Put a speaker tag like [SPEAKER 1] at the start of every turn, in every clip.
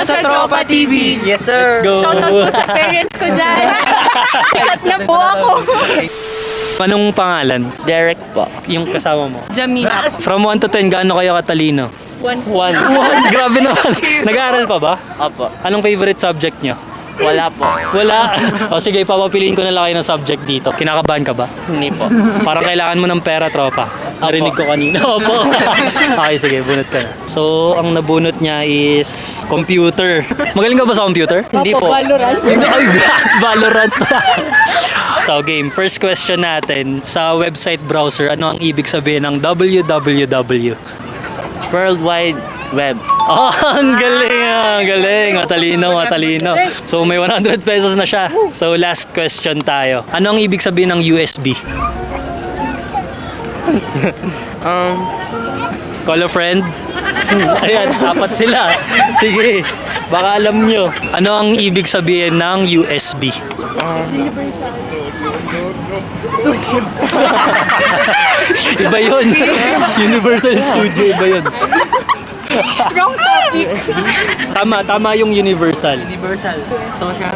[SPEAKER 1] sa Tropa TV!
[SPEAKER 2] Yes, sir!
[SPEAKER 3] Let's go!
[SPEAKER 4] Shoutout po sa parents ko dyan. Sikat na po ako.
[SPEAKER 3] Anong pangalan?
[SPEAKER 2] Derek po.
[SPEAKER 3] Yung kasama mo?
[SPEAKER 4] Jamina.
[SPEAKER 3] From 1 to 10, gaano kayo katalino?
[SPEAKER 4] 1.
[SPEAKER 3] Grabe naman. Nag-aaral pa ba?
[SPEAKER 2] Opo.
[SPEAKER 3] Anong favorite subject nyo?
[SPEAKER 2] Wala po.
[SPEAKER 3] Wala. O sige, papapiliin ko na lang kayo ng subject dito. Kinakabahan ka ba?
[SPEAKER 2] Hindi po.
[SPEAKER 3] Parang kailangan mo ng pera, tropa. Narinig ko kanina. Opo. Okay, sige, bunot ka na. So, ang nabunot niya is computer. Magaling ka ba sa computer?
[SPEAKER 2] Hindi po.
[SPEAKER 4] Valorant.
[SPEAKER 3] Ay, Valorant. So, game. First question natin. Sa website browser, ano ang ibig sabihin ng www?
[SPEAKER 2] World Wide Web.
[SPEAKER 3] Oh, ang galing ah. Galing. Matalino. So, may 100 pesos na siya. So, last question tayo. Ano ang ibig sabihin ng USB? Call a friend? Ayan, apat sila. Sige, baka alam nyo. Ano ang ibig sabihin ng USB? Iba yun. Universal Studio, iba yun.
[SPEAKER 4] Wrong topic.
[SPEAKER 3] Tama yung universal.
[SPEAKER 1] Universal. Social.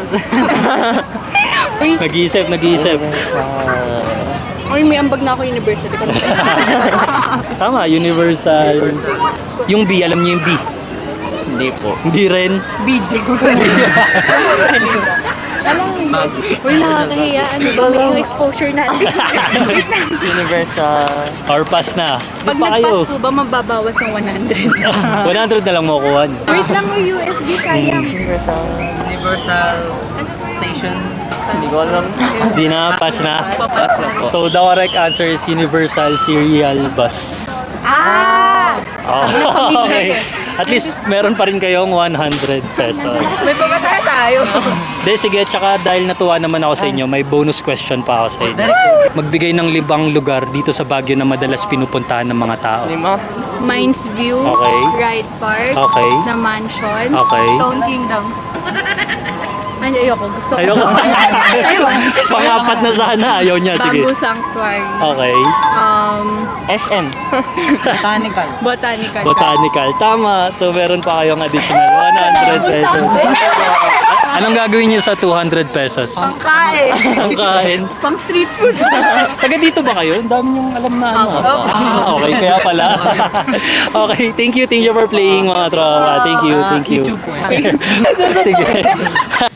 [SPEAKER 3] Nag-iisip.
[SPEAKER 4] Uy, may ambag na ako university.
[SPEAKER 3] Tama, universal. Yung B, alam niyo yung B?
[SPEAKER 2] Hindi po.
[SPEAKER 3] Hindi rin.
[SPEAKER 4] Video. Uy, nakakahiya. Ano ba yung exposure natin?
[SPEAKER 2] Universal.
[SPEAKER 3] Or pass na.
[SPEAKER 4] Pag
[SPEAKER 3] Pa kayo.
[SPEAKER 4] nagpasko ba, mababawas ng 100?
[SPEAKER 3] 100 na lang makukuha.
[SPEAKER 4] Wait lang, may USB sayang.
[SPEAKER 1] Universal Station.
[SPEAKER 2] Hindi ko alam.
[SPEAKER 3] Di na, pass na.
[SPEAKER 2] Pass na po.
[SPEAKER 3] So the correct answer is Universal Serial Bus.
[SPEAKER 4] Ah!
[SPEAKER 3] Oh, okay. At least meron pa rin kayong 100 pesos.
[SPEAKER 4] May pamataya tayo.
[SPEAKER 3] De, sige, tsaka dahil natuwa naman ako sa inyo, may bonus question pa ako sa inyo. Magbigay ng 5 lugar dito sa Baguio na madalas pinupuntahan ng mga tao.
[SPEAKER 2] Lima.
[SPEAKER 4] Mines View,
[SPEAKER 3] Okay.
[SPEAKER 4] Ride Park,
[SPEAKER 3] Okay.
[SPEAKER 4] The Mansion,
[SPEAKER 3] Okay.
[SPEAKER 4] Stone Kingdom. Ay, ayoko. Gusto ko.
[SPEAKER 3] Ayoko. Pangapat na sana. Ayaw niya. Sige.
[SPEAKER 4] Bamboo Sanctuary.
[SPEAKER 3] Okay.
[SPEAKER 2] SM.
[SPEAKER 1] Botanical.
[SPEAKER 4] Botanical.
[SPEAKER 3] Botanical. Tama. So, meron pa kayong additional 100 pesos. Anong gagawin niyo sa 200 pesos?
[SPEAKER 4] Pangkain.
[SPEAKER 3] Ang kain.
[SPEAKER 4] Pang street food.
[SPEAKER 3] Taga dito ba kayo? Ang dami niyong alam na ano. Okay, kaya pala. Okay, thank you for playing mga tropa. Thank you.
[SPEAKER 1] YouTube po yan.
[SPEAKER 3] Sige.